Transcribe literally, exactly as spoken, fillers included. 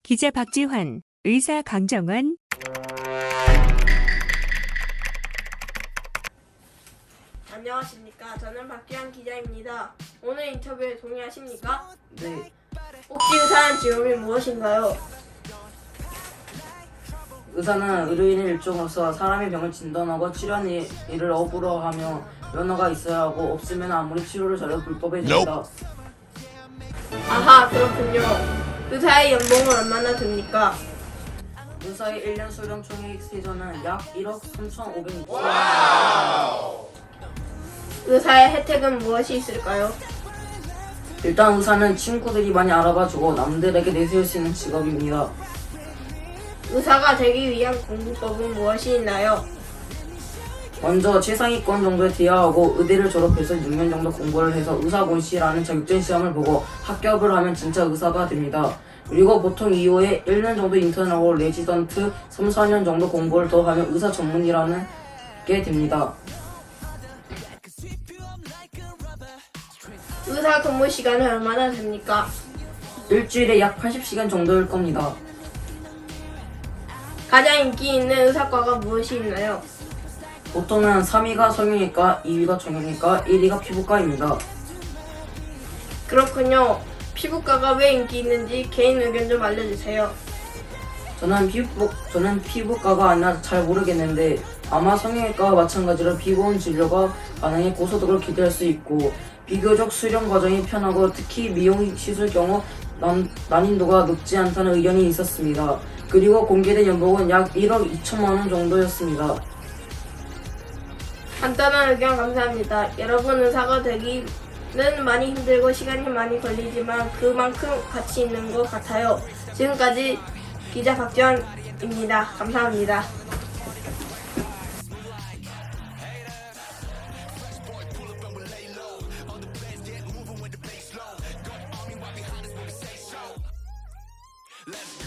기자 박지환, 의사 강정원. 안녕하십니까. 저는 박지환 기자입니다. 오늘 인터뷰에 동의하십니까? 네, 혹시 의사한 직업이 무엇인가요? 의사는 의료인의 일종으로서 사람의 병을 진단하고 치료하는 일- 일을 업으로 하며 면허가 있어야 하고 없으면 아무리 치료를 잘해도 불법해집니다. 아하, 그렇군요. 의사의 연봉은 얼마나 됩니까? 의사의 일 년 수령 총액 세전은 약 일억 삼천오백육 천 의사의 혜택은 무엇이 있을까요? 일단 의사는 친구들이 많이 알아봐주고 남들에게 내세울 수 있는 직업입니다. 의사가 되기 위한 공부법은 무엇이 있나요? 먼저 최상위권 정도에 대하하고 의대를 졸업해서 육 년 정도 공부를 해서 의사곤시라는 자격증 시험을 보고 합격을 하면 진짜 의사가 됩니다. 그리고 보통 이후에 일 년 정도 인턴하고 레지던트 삼, 사 년 정도 공부를 더 하면 의사 전문의라는 게 됩니다. 의사 근무 시간은 얼마나 됩니까? 일주일에 약 팔십 시간 정도일 겁니다. 가장 인기 있는 의사과가 무엇이 있나요? 보통은 삼 위가 성형외과, 이 위가 정형외과, 일 위가 피부과입니다. 그렇군요. 피부과가 왜 인기 있는지 개인 의견 좀 알려주세요. 저는 피부, 저는 피부과가 아니라 잘 모르겠는데 아마 성형외과와 마찬가지로 피부원 진료가 가능해 고소득을 기대할 수 있고 비교적 수련 과정이 편하고 특히 미용 시술 경우 난, 난이도가 높지 않다는 의견이 있었습니다. 그리고 공개된 연봉은 약 일억 이천만 원 정도였습니다. 간단한 의견 감사합니다. 여러분, 의사가 되기는 많이 힘들고 시간이 많이 걸리지만 그만큼 가치 있는 것 같아요. 지금까지 기자 박지환입니다. 감사합니다. Let's go.